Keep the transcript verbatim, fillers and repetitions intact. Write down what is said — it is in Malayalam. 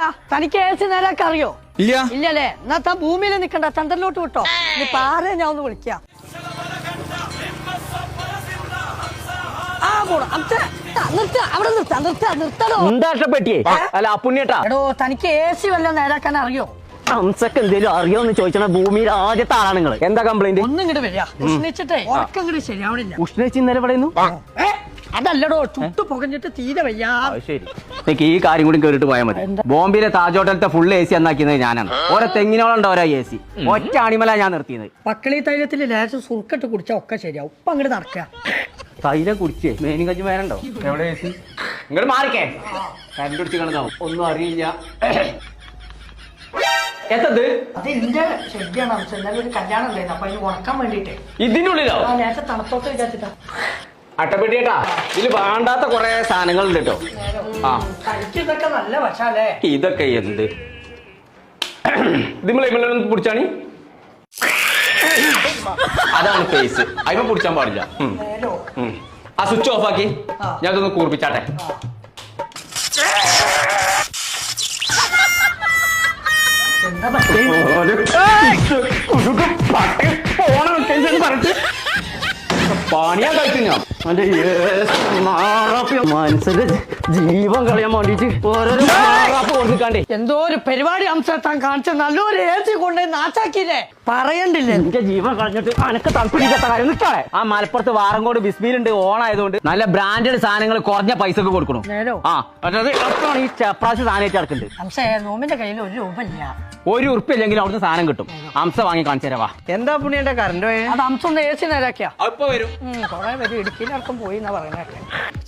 തനിക്ക് ഏസി നേരൊക്കെ അറിയോ? ഇല്ല. ഇല്ലല്ലേ? എന്നാ താൻ ഭൂമിയിൽ നിക്കണ്ട, ചന്ദ്രനിലോട്ട് വിട്ടോ. ഇനി പാറ ഞാൻ ഒന്ന് വിളിക്കാം. ആ പോടാ നിർത്ത, അവിടെ നിർത്താ നിർത്താ നിർത്തടോ. എന്താ അല്ല അപ്പുണ്ണിയേട്ടാ, എടോ തനിക്ക് ഏസി വല്ലതും നേരാക്കാൻ അറിയോ? ഹംസക്ക് എന്തേലും അറിയോന്ന് ചോദിച്ചാൽ ഭൂമിയിൽ ആദ്യത്തെ ആളാണ് നിങ്ങൾ. എന്താ കംപ്ലൈന്റ്? ഒന്നും ഇങ്ങോട്ട് വരിക, ഉഷ്ണിച്ചിട്ടേ ഉറക്കം ഇങ്ങോട്ട് ശരിയാവണില്ല. ഉഷ്ണിച്ച് ഇന്നലെ പറയുന്നു. അതല്ലടോ, ചുട്ടു പുകഞ്ഞിട്ട് തീരെ വയ്യാ. ശരി, എനിക്ക് ഈ കാര്യം കൂടി കേറിട്ട് പോയാൽ മതി. ബോംബെയിലെ താജ് ഹോട്ടലത്തെ ഫുൾ എ സി എന്നാക്കിയത് ഞാനാണ്. ഓരോ തെങ്ങിനോളം ഓരോ എ സി ഒറ്റ അണിമല ഞാൻ നിർത്തിയത്. പക്കളി തൈലത്തിൽ ലേശം സുർക്കിട്ട് കുടിച്ചാൽ ഒക്കെ ശരിയാവും. ഇപ്പൊ അങ്ങോട്ട് നടക്കുക. തൈലം കുടിച്ചേ മേനും കഞ്ചി മേനുണ്ടോ? എവിടെ എ സി? ഇങ്ങോട്ട് മാറിക്കേ, കരണ്ട് പിടിച്ച് കിടന്നാവും. ഒന്നും അറിയില്ല. എത്തത് അത് എന്റെ ശരിയാണ്. എന്നാലും ഒരു കല്യാണം ഉണ്ടായിരുന്നു, അപ്പൊ അതിന് ഉണക്കാൻ വേണ്ടിട്ടേ. ഇതിനുള്ളിലോ? ലേശം തണുത്തോട്ട് വിചാരിച്ചിട്ടാ. അട്ടപ്പെട്ടിയേട്ടാ, ഇതില് വേണ്ടാത്ത കൊറേ സാധനങ്ങൾ ഉണ്ട് കേട്ടോ. ആ തനിക്ക് ഇതൊക്കെ നല്ല വശാലേ. ഇതൊക്കെ എന്ത് ഇതിമ്മളൊന്നും പിടിച്ചാണി? അതാണ് ഫേസ്, അതിമ പിടിച്ചാൻ പാടില്ല. ആ സ്വിച്ച് ഓഫ് ആക്കി ഞാൻ ഇതൊന്ന് കൂർപ്പിച്ചാട്ടെ. എന്താ പറ്റേ? പറഞ്ഞിട്ട് പണിയാ കഴിച്ചു ഞാൻ. മനസ്സിന്റെ ജീവൻ കളയാൻ വേണ്ടിട്ട് ഓരോരോ കൊടുക്കാണ്ടേ. എന്തോ ഒരു പരിപാടി അംശത്താൻ കാണിച്ച നല്ലൊരു ഏസി കൊണ്ടുപോയി നാച്ചാക്കിയില്ലേ, പറയണ്ടില്ലേ? എന്റെ ജീവൻ കളഞ്ഞിട്ട് അനക്ക് തണുപ്പിടിക്കാത്ത കാര്യം നിൽക്കാളെ. ആ മലപ്പുറത്ത് വാറങ്കോട് ബിസ്മിലുണ്ട്, ഓൺ ആയതുകൊണ്ട് നല്ല ബ്രാൻഡഡ് സാധനങ്ങൾ കുറഞ്ഞ പൈസക്ക് കൊടുക്കണം. ആ അതായത് ഈ ചെപ്രാശ് സാധനം ഇറക്കുന്നുണ്ട്. അംശേ, നോമിന്റെ കയ്യിൽ ഒരു രൂപ ഇല്ല. ഒരു ഉറുപ്പ് ഇല്ലെങ്കിൽ അവിടുന്ന് സാധനം കിട്ടും. അംശ വാങ്ങി കാണിച്ചു തരാവാ. എന്താ പുണ്യന്റെ കറണ്ട് അത് അംശം ഒന്ന് ഏസി നേരാക്കിയാ അപ്പൊ വരും. കൊറേ പേര് ഇടുക്കിയിലടക്കം പോയി എന്നാ പറയുന്നതൊക്കെ.